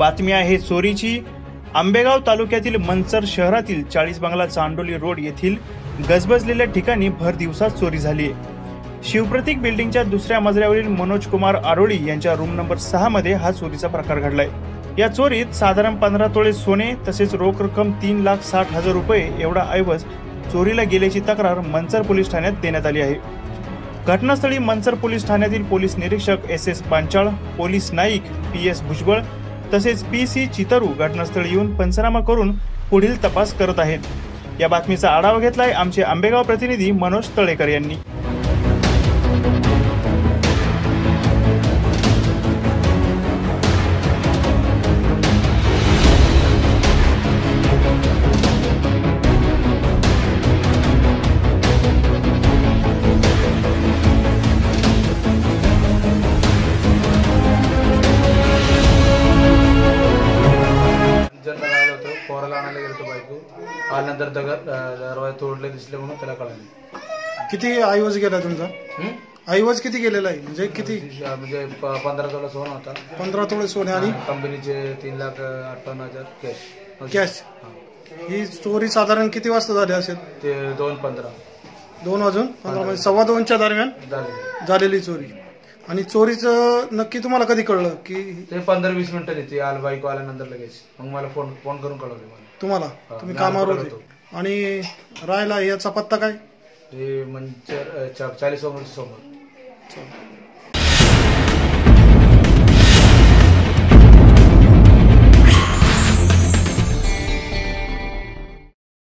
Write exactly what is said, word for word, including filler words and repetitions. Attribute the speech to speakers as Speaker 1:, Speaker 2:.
Speaker 1: बातमी आहे चोरीची। आंबेगाव तालुक्यातील मंचर शहरातील चाळीस बंगला चांडोली रोड येथील गजबजलेल्या ठिकाणी भर दिवसात चोरी झाली आहे। शिवप्रतीक बिल्डिंगच्या दुसऱ्या मजल्यावरील मनोज कुमार आरोळी यांच्या रूम नंबर सहा मध्ये हा चोरीचा प्रकार घडलाय। या चोरीत साधारण पंधरा तोळे सोने तसेच रोख रक्कम तीन लाख साठ हजार रुपये एवढा ऐवज चोरीला गेल्याची तक्रार मंचर पोलीस ठाण्यात देण्यात आली आहे। घटनास्थळी मंचर पोलीस ठाण्यातील पोलीस निरीक्षक एस एस पांचाळ, पोलीस नाईक पी एस भुजबळ तसेच पी सी चितरू घटनास्थळी येऊन पंचनामा करून पुढील तपास करत आहेत। या बातमीचा आढावा घेतलाय आमचे आंबेगाव प्रतिनिधी मनोज तळेकर यांनी।
Speaker 2: पोराला आणायला गेलो बायको आल्यानंतर दगड दरवाजा तोडले दिसले म्हणून त्याला कळाले।
Speaker 3: किती ऐवज गेला तुमचा? ऐवज किती गेलेला आहे म्हणजे किती?
Speaker 2: म्हणजे पंधरा तोळा सोनं होता।
Speaker 3: पंधरा तोळे सोने आणि
Speaker 2: कंपनीचे तीन लाख अठ्ठावन्न हजार कॅश
Speaker 3: कॅश। ही चोरी साधारण किती वाजता झाली असेल?
Speaker 2: ते दोन पंधरा
Speaker 3: दोन वाजून पंधरा म्हणजे सव्वा दोनच्या दरम्यान झालेली चोरी। आणि चोरीचं नक्की तुम्हाला कधी कळलं की?
Speaker 2: ते पंधरा वीस मिनिटं येते आल बायको आल्यानंतर लगेच मग मला फोन फोन करून कळवले मला।
Speaker 3: तुम्हाला? तुम्ही कामावर होते आणि राहायला याचा पत्ता काय?
Speaker 2: हे मंचर चाळीस समोर समोर